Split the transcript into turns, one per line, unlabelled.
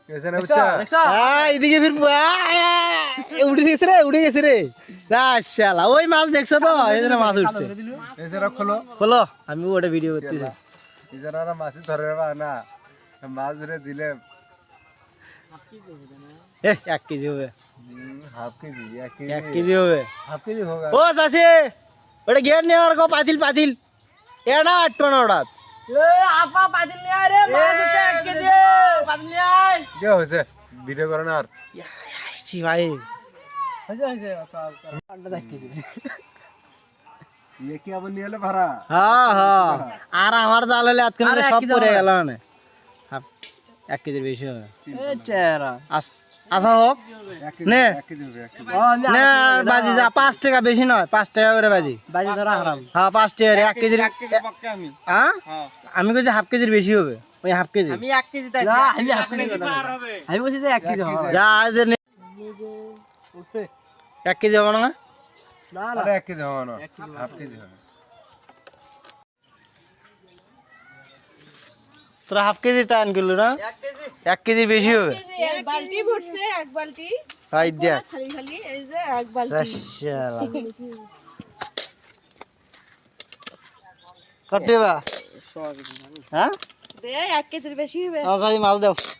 कैसे ना बच्चा
এদিকে ফির উঠে গেছে রে শালা ওই মাছ দেখছো তো এজন্য মাছ উঠছে
कैसे ना खोलो
খোলো আমি ওটা ভিডিও করতেছি
इधर ना मासी धरे बा ना माछ ধরে দিলে
এ 1 কেজি হবে
हाफ केजी
1 কেজি হবে
हाफ केजी होगा
ও চাচি ওটা গেট নেওয়ার গো পাতিল এটা আটটো না ওটা
এ আপা পাতিল নিয়ে আয় রে মাছ হচ্ছে 1 কেজি পাতিল নিয়ে আয়
क्या হইছে ভিডিও করো না আর
ছি ভাই
হইছে আন্ডা 1 কেজি
ये क्या बन নিলে ভরা
হ্যাঁ আর আমার জাল হলে আজকে
আর এক
সব
কেজি
পড়ে
হবে।
গেল মানে 1 কেজির বেশি হবে
এ চেহারা
আচ্ছা হোক নে
1 কেজি হবে 1 কেজি
ও আমি
না বাজি যা 5 টাকা বেশি নয় 5 টাকা করে বাজি
বাজি ধরা হারাম
হ্যাঁ 5 টাকা 1 কেজির
পক্কা আমি
হ্যাঁ আমি কইছি হাফ কেজির বেশি হবে ওই হাফ কেজি
আমি 1 কেজি তাই আমি হাফ কেজি পার হবে আমি বলছি যে 1 কেজি হবে
যা আজ
উঠবে
1 কেজি হবে না
না না
আরে 1 কেজি হবে না হাফ কেজি হবে
তোরা হাফ কেজি টান কিলো না 1 কেজির বেশি হবে
এক বালতি ভরছে এক বালতি
তাই দেখ
খালি খালি এই যে এক বালতি
শালা কত দেবা হ্যাঁ
দে 1 কেজির বেশি হবে
আচ্ছা মাল দাও